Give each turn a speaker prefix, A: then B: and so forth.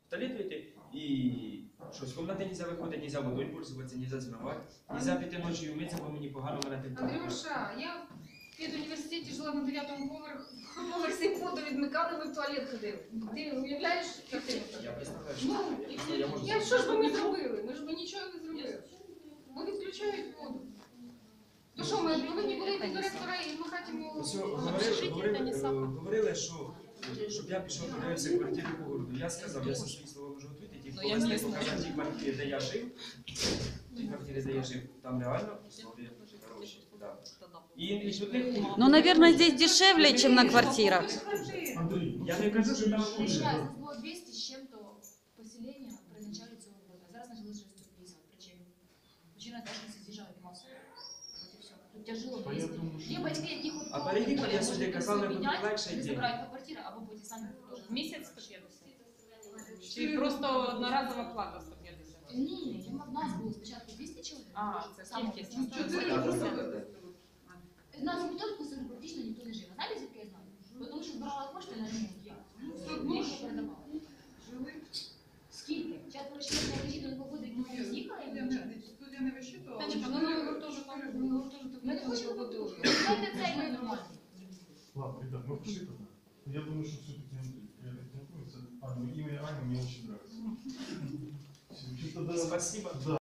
A: в туалет вийти і щось, в кімнаті нельзя виходити, нельзя водою пользуватися, нельзя змивати, нельзя піти ночі вмитися, бо мені погано, мене температура.
B: Андрюша, я в педуніверситеті жила на 9-му поверсі, воду відмикали, ми в туалет ходили. Ти уявляєш картину?
A: Я представляю,
B: Ну,
A: що я можу...
B: що ж би ми зробили? Ми ж би нічого не зробили. Бо відключають воду. То що, ми повинні були йти до ректора і махати йому...
A: Говорили, що щоб я пішов подивився квартири по городу. Я сказав, я за свої слова можу відповідати, ті повезти показати ті квартири, де я жив. Ті квартири, де я жив, там реально условия хороші. Да. І сюди...
C: Ну, наверное, здесь дешевле, чем на квартирах.
A: Я не кажу, що там
D: Сейчас нас было 200 с чем-то поселения при начале целого года. А зараз началось 650. Причем? Причина того, что съезжают массово. Вот и все. Тут тяжело близко. Є батьки, які хоч
A: А переїхати, я собі казав, не буде легше
D: не
A: йти.
D: забирають по квартирі, або потім самі теж.
B: В місяць 150? Чи просто одноразова плата 150?
D: Ні, в нас було спочатку 200 чоловік.
B: А, це кількість.
D: У нас в Бутовську практично ніхто не жив. А знаєте, звідки я знаю? Тому що збирала кошти на ремонт. Ніхто передавала. Скільки? Зараз поручення кажіть, до якого году ніхто не з'їхала і вивчати.
E: Студія не вищитувала.
B: Танечка, ну ми гуртожиток
D: Ми не хочемо побудувати. Знаєте, це і нормально.
F: Ладно, ребят, мы пошли тогда. Я думаю, что все-таки имя Аня мне очень нравится. Чисто, да.
A: Спасибо.
F: Да.